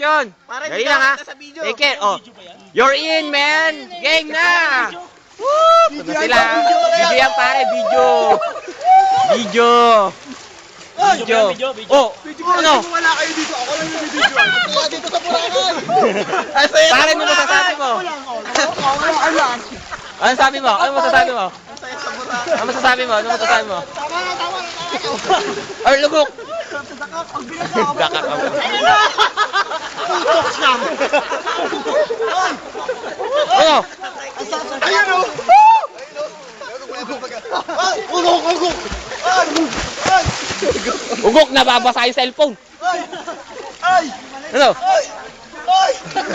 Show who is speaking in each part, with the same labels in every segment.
Speaker 1: action. Dali lang ha. Take care. Oh. You're in, man. Game na. Woo! Ito na sila. Video yan pare, video. Video. Video. Oh, ano?
Speaker 2: Wala kayo dito. Ako lang yung video. Kaya dito sa Boracay.
Speaker 1: Pare, ano masasabi mo? Ano sabi mo? Ano masasabi mo? Ano masasabi mo? Ano masasabi mo?
Speaker 2: Tama na.
Speaker 1: Ay, lugok.
Speaker 2: Ang bilis ako.
Speaker 1: Dakak ako.
Speaker 2: Tutok siya.
Speaker 1: Ano?
Speaker 2: Ayun o. Ugok.
Speaker 1: Ugok, nababasa yung cellphone.
Speaker 2: Ay.
Speaker 1: Ano?
Speaker 2: Ay.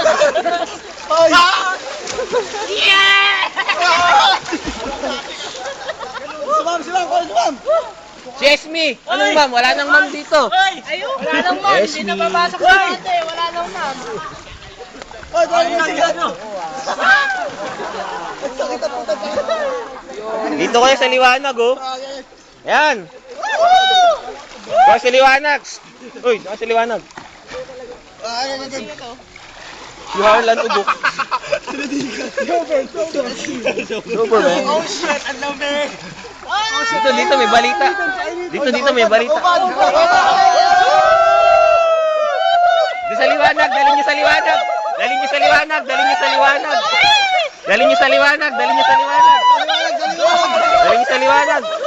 Speaker 2: Sumam.
Speaker 1: Si Esme. Anong ma'am? Wala nang ma'am dito.
Speaker 3: Ayun, wala nang ma'am. Hindi na mabasok sa ate. Wala nang ma'am.
Speaker 2: Ay, sakit ang puta.
Speaker 1: Dito kayo sa liwanag, oh. Yan. Dito sa liwanag. Uy, dito sa liwanag. Si Harlan ugok. Super, man.
Speaker 2: Oh shit, ang lamig.
Speaker 1: Dito may balita. Dito may balita. Dito sa liwanag, dalhin niyo sa liwanag. Dalhin niyo sa liwanag. Dalhin niyo sa liwanag. Dalhin niyo sa liwanag. Dalhin niyo sa liwanag. Dalhin niyo sa liwanag.